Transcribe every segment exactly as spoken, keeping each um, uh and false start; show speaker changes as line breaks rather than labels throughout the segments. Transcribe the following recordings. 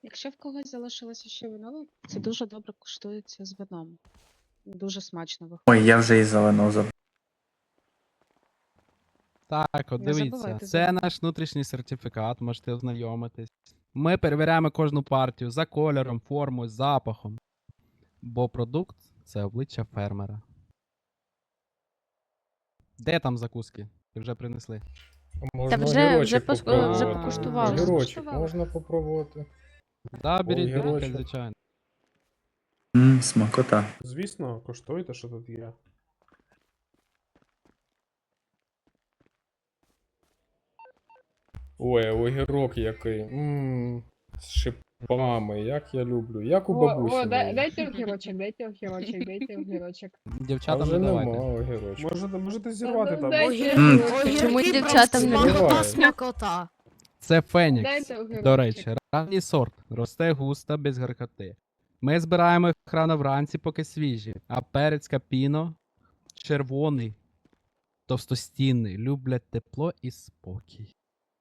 Якщо в когось залишилося ще вино, це дуже добре куштується з вином. Дуже смачно виходить.
Ой, я вже і зелену забув.
Так, от
Не
дивіться,
забувайте
це
за-
наш внутрішній сертифікат, можете ознайомитись. Ми перевіряємо кожну партію за кольором, формою, запахом. Бо продукт це обличчя фермера. Де там закуски? Ти вже принесли.
Можна
вже- вже
огірочок
пос-
попробувати.
вже покуштували.
Огірочок
Скуштували.
можна попробувати.
Да, беріть, беріть,
Огірочок.
звичайно.
Ммм, смакота.
Звісно, коштуйте, що тут є. Ой, огірок який. Ммм, з шипами, як я люблю. Як у
О,
бабусі.
о, дай,
моїй.
дайте огірочок, дайте огірочок, дайте огірочок.
А
Дівчатам
вже
не
нема
давайте.
огірочок. Можете, можете
зірвати
зірвати
ну, там.
там.
дайте
М.
огірочок.
Чому
Огірки
дівчатам не
просто
дають?
Давай.
смакота, смакота.
Це Фенікс.
Дайте огірочок.
До речі, ранній сорт. Росте густо, без гаркоти. Ми збираємо їх рано вранці, поки свіжі. А перець капіно червоний, товстостінний, люблять тепло і спокій.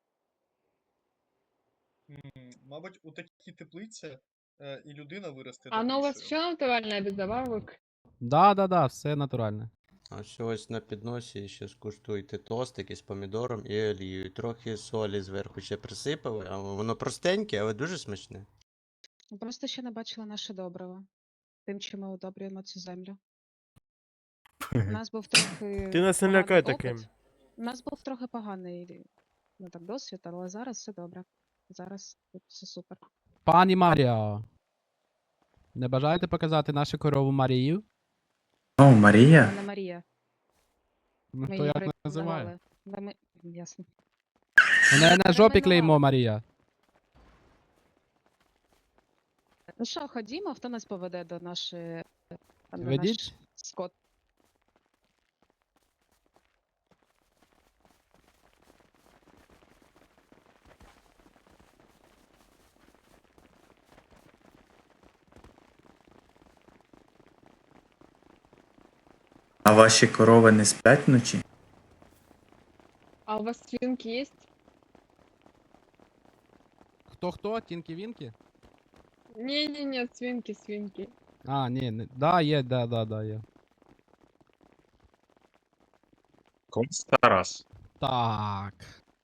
М, Мабуть, у такій теплиці е, і людина виросте.
А ну у вас
добрішою.
все натуральне без добавок?
Да, да, да, все натуральне.
А все ось на підносі ще скуштуйте тостики з помідором і олією. Трохи солі зверху ще присипали, а воно простеньке, але дуже смачне.
Ви Просто ще не бачила наше добриво. Тим, чим ми удобрюємо цю землю. У нас був трохи.
Ти нас не
поганий
лякай
опит.
таким.
У нас був трохи поганий ну, так, досвід, але зараз все добре. Зараз тут все супер.
Пані Марія. Не бажаєте показати нашу корову Марію?
О, Марія?
Це не Марія.
Ну,
Ми
то
її
як називає?
перейменували. Да ми- Ясно.
У неї на жопі
Перейменували.
клеймо Марія.
Ну що, ходімо, хто нас поведе до нашої. Там, де
Ведіть.
наш скот.
А ваші корови не сплять вночі?
А у вас свинки є?
Хто-хто? Тінки-вінки?
Не-не-не, свинки, свинки.
А, ні, не... да, є, да, да, да, є.
Конс Тарас.
Так.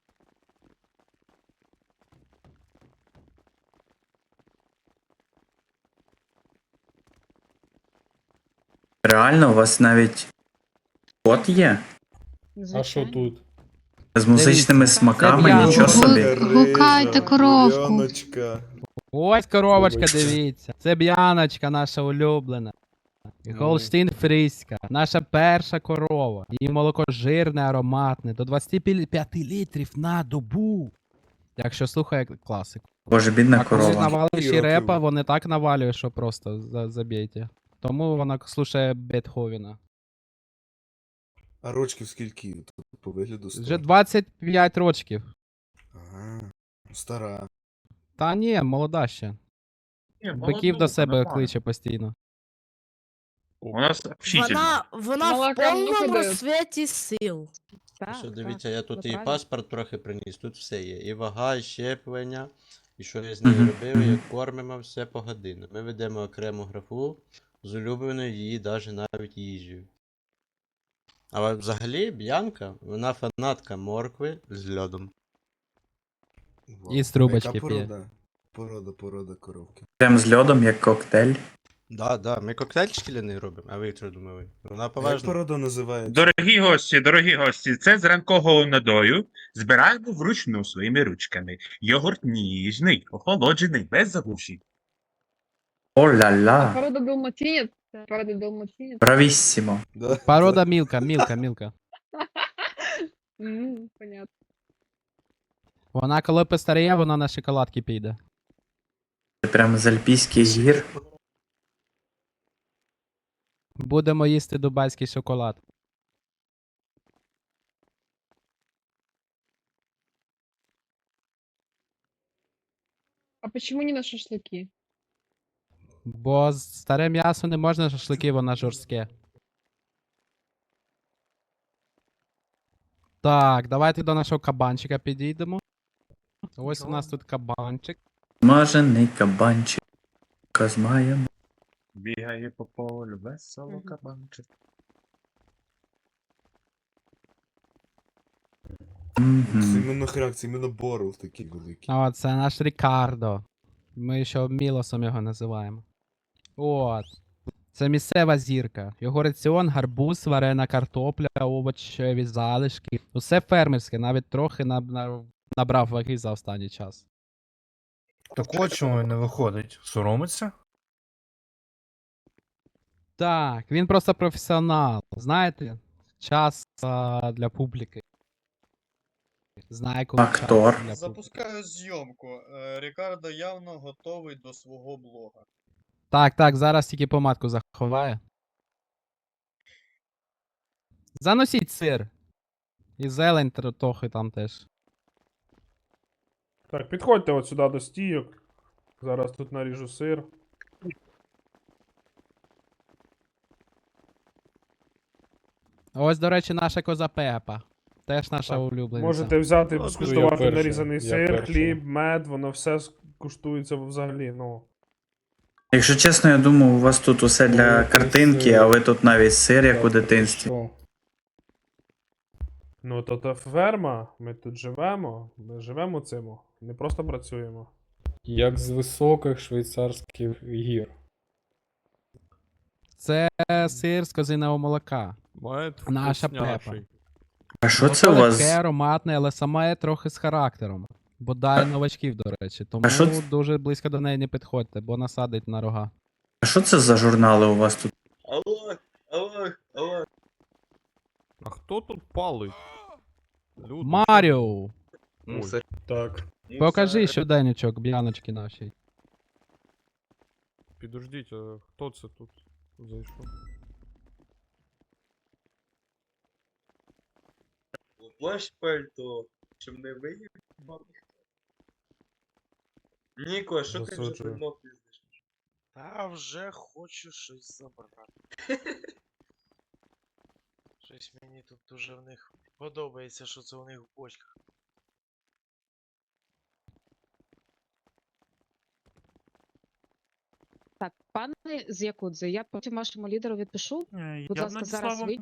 Реально, у вас навіть кот є?
А що
Звичайно.
тут?
З музичними
Дивіться,
смаками,
це
нічого
п'яно.
собі.
Гукайте коровку.
Ось коровочка,
Коровочка.
дивіться. Це б'яночка наша улюблена. Голштин фріська. Наша перша корова. Її молоко жирне, ароматне. До двадцяти п'яти літрів на добу. Якщо слухає класику.
Боже, бідна
А коли
корова.
навалиші репа, вони так навалює, що просто за- забійте. Тому вона слушає Бетховена.
А рочків скільки тут по вигляду
Вже
стара?
двадцять п'ять років.
Ага, стара.
Та ні, молода ще. Биків до себе кличе постійно.
У нас общительно.
Вона, вона в
Молока много
повному
дають?
розсвіті сил.
Так,
Що
так,
дивіться, я тут
ви
і
праві.
паспорт трохи приніс, тут все є. І вага, і щеплення, і що я з нею
Мгм,
робив,
мгм.
як кормимо, все погодинно. Ми ведемо окрему графу з улюбленою її даже навіть їжею. Але взагалі Б'янка, вона фанатка моркви з льодом.
Вау.
І з трубочки
А яка
п'є.
порода? Порода, порода коровки.
Прям з льодом, як коктейль.
Да, да, ми коктейль шкляний робимо, а ви що думали? Вона
А як
поважна.
порода називається?
Дорогі гості, дорогі гості, це з ранкового надою збираємо вручну своїми ручками. Йогурт ніжний, охолоджений, без заглушень.
О-ля-ля.
Порода далматинец. Порода далматинец.
Бравіссімо.
Да,
Порода мілка, мілка, мілка.
М, понятно.
Вона коли постаріє, вона на шоколадки піде.
Це прям з альпійських гір.
Будемо їсти дубайський шоколад.
А почему не на шашлыки?
Бо з- старе м'ясо не можна шашлики, воно жорстке. Так, давайте до нашого кабанчика підійдемо. Ось у нас тут кабанчик.
Смажений кабанчик. З маєм.
Бігає по полю, весело
Мгм.
кабанчик.
Це
Мгм.
іменно хряк, це іменно Боров такий великий.
О, це наш Рікардо. Ми ще Мілосом його називаємо. От. Це місцева зірка. Його раціон, гарбуз, варена картопля, овочеві залишки. Усе фермерське, навіть трохи наб- на- набрав ваги за останній час.
Так от чому не виходить? Соромиться?
Так, він просто професіонал. Знаєте, час а, для публіки. Знає, коли час
Актор.
для публіки.
Запускаю зйомку. Е, Рікардо явно готовий до свого блога.
Так, так, зараз тільки помадку заховає. Заносіть сир. І зелень тр- трохи там теж.
Так, підходьте от сюди до стійок. Зараз тут наріжу сир.
Ось, до речі, наша коза Пепа. Теж наша
Так,
улюблениця.
Можете взяти,
Ну,
скуштувати я перший, нарізаний
я
сир,
перший.
хліб, мед, воно все куштується взагалі, ну.
Якщо чесно, я думав, у вас тут усе для
Ой,
картинки,
красиво.
а ви тут навіть сир, як у
Так,
дитинстві.
хорошо. Ну, то та ферма, ми тут живемо, ми живемо цим, не просто працюємо.
Як з високих швейцарських гір.
Це сир з козиного молока. Наша Пепа.
А що це
Молоко
у вас?
легке, ароматне, але саме трохи з характером. Бодай новачків, до речі. Тому
А що це-
дуже близько до неї не підходьте, бо насадить на рога.
А що це за журнали у вас тут?
Алло, алло, алло.
А хто тут палить? Люди.
Маріо!
Так.
Покажи щоденничок б'яночки нашій.
Підождіть, а хто це тут зайшов?
Плащ пальто, щоб не виїбав. Ніко, що ти вже
Засуджую.
давно пиздиш?
Та вже хочу щось забрати. Щось мені тут дуже в них подобається, що це у них в бочках.
Так, пане з Якудзи, я потім вашому лідеру відпишу. Будь ласка, зараз вийдіть.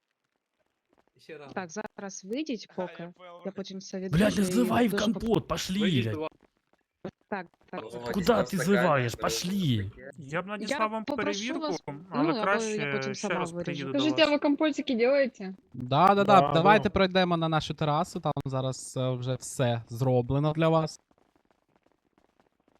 Так, зараз вийдіть поки. Я потім все відпишу.
Блядь, не
і
зливай в
дуже
компот, пошли, блядь.
Так, так, так.
Куда ти зливаєш? Пошли.
Я б
Я
надіслав вам
попрошу
перевірку,
вас,
але
ну, або
краще
я потім
ще
сама
раз
виріжу.
приїду до
Скажите, а
вас.
вы компотики делаете?
Да, да, да,
Да,
давайте
да.
пройдемо на нашу терасу, там зараз е, вже все зроблено для вас.